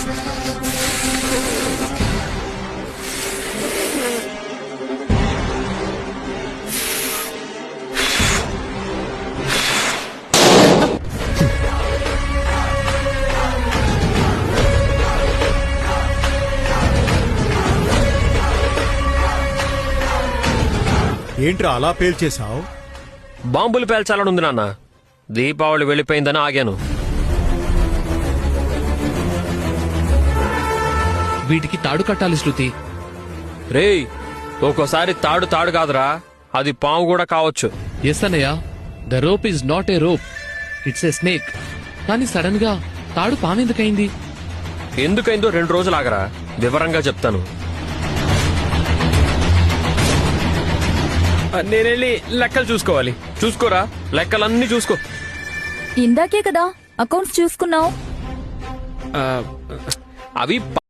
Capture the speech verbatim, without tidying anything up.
ఏంట్రా అలా పేల్చేశావు? బాంబులు పేల్చాలనుంది నాన్న. దీపావళి వెళ్ళిపోయిందని ఆగాను. వీటికి తాడు కట్టాలి శృతి. రేయ్, ఒక్కోసారి తాడు తాడు కాదురా, అది పాము కూడా కావచ్చు. ఎస్ అన్నయ్య, the rope is not a rope, it's a snake. కానీ సడన్ గా తాడు పామెందుకైంది? ఎందుకైందో రెండు రోజులు ఆగరా, వివరంగా చెప్తాను. నేనెళ్ళి లెక్కలు చూసుకోవాలి. చూసుకోరా, లెక్కలన్నీ చూసుకో. ఇందాకే కదా అకౌంట్స్ చూసుకున్నావు. అవి